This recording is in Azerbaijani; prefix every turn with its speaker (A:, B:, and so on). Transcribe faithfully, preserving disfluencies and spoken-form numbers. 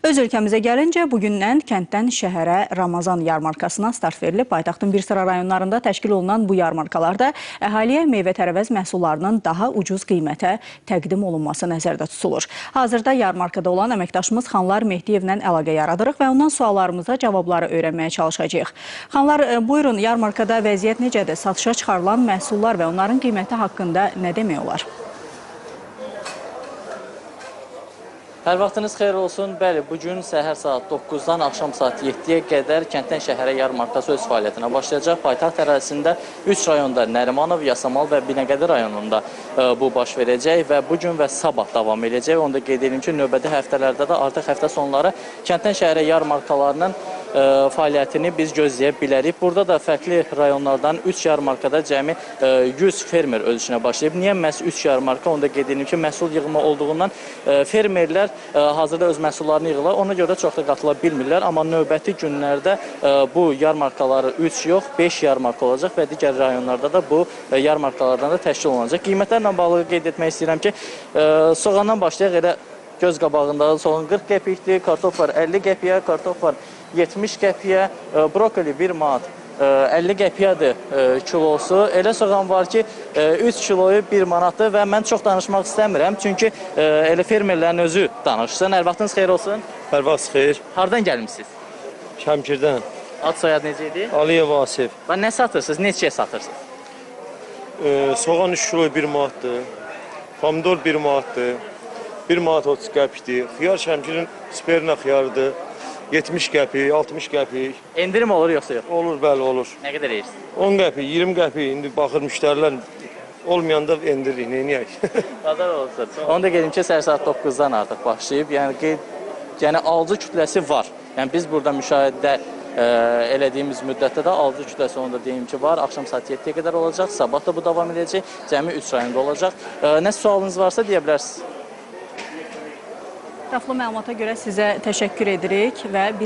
A: Öz ölkəmizə gəlincə, bugündən kənddən şəhərə Ramazan yarmarkasına start verilib. Paytaxtın bir sıra rayonlarında təşkil olunan bu yarmarkalarda əhaliyə meyvə-tərəvəz məhsullarının daha ucuz qiymətə təqdim olunması nəzərdə tutulur. Hazırda yarmarkada olan əməkdaşımız Xanlar Mehdiyevlə əlaqə yaradırıq və ondan suallarımıza cavabları öyrənməyə çalışacağıq. Xanlar, buyurun, yarmarkada vəziyyət necədir? Satışa çıxarılan məhsullar və onların qiyməti haqqında nə demək olar?
B: Hər vaxtınız xeyir olsun. Bəli, bugün səhər saat doqquzdan axşam saat yeddiyə qədər kənddən şəhərə yarmarkası öz fəaliyyətinə başlayacaq. Paytaxt ərazisində üç rayonda Nərimanov, Yasamal və Binəqədi rayonunda e, bu baş verəcək və bugün və sabah davam edəcək. Onu da qeyd edim ki, növbəti həftələrdə də artıq həftə sonları kənddən şəhərə yarmarkalarının e, fəaliyyətini biz gözləyə bilərik. Burada da fərqli rayonlardan üç yarmarkada cəmi e, yüz fermer ölçünə başlayıb. Niyə məhz üç yarmarka? Onu da qeyd edim ki, məhsul yığımı olduğundan e, fermerlər hazırda öz məhsullarını yığırlar, ona görə çox da qatıla bilmirlər. Amma növbəti günlərdə bu yarmarkaları üç yox, beş yarmarka olacaq və digər rayonlarda da bu yarmarkalardan da təşkil olunacaq. Qiymətlərlə bağlı qeyd etmək istəyirəm ki, soğandan başlayaq, elə göz qabağında soğan qırx qəpikdir, kartof var əlli qəpiyə, kartof var yetmiş qəpiyə, brokoli bir manat əlli qəpiyadır kilosu. Elə soğan var ki, üç kiloyu bir manatdır və mən çox danışmaq istəmirəm. Çünki elə fermerlərin özü danışsın. Hər vaxtınız xeyir olsun.
C: Hər vaxt xeyir.
B: Hardan gəlmişsiniz?
C: Şəmkirdən.
B: Ad soyad necə idi?
C: Aliyev Vasif.
B: Və nə satırsınız? Neçəyə satırsınız?
C: Ee, soğan üç kilo bir manatdır. Pomidor bir manatdır. bir manat otuz qəpikdir. Xiyar Şəmkirin sperna xiyarıdır. yetmiş qəpik, altmış qəpik.
B: Endirim olur yoxsa yox?
C: Olur, bəli, olur.
B: Nə qədər eyirsiniz?
C: on qəpik, iyirmi qəpik. İndi baxır müştərilər olmayanda endiririk, neyniyək?
B: Bazar olsun. Onu da qedim ki, səhər saat doqquzdan artıq başlayıb. Yəni, qeyd, yəni alıcı kütləsi var. Yəni biz burada müşahidə e, elədiyimiz müddətdə də alıcı kütləsi, onu da deyim ki, var. Axşam saat yeddiyə qədər olacaq. Sabah da bu davam edəcək. Cəmi üç rayonda olacaq. E, nə sualınız varsa deyə bilərsiniz.
A: Ətraflı məlumata görə sizə təşəkkür edirik və biz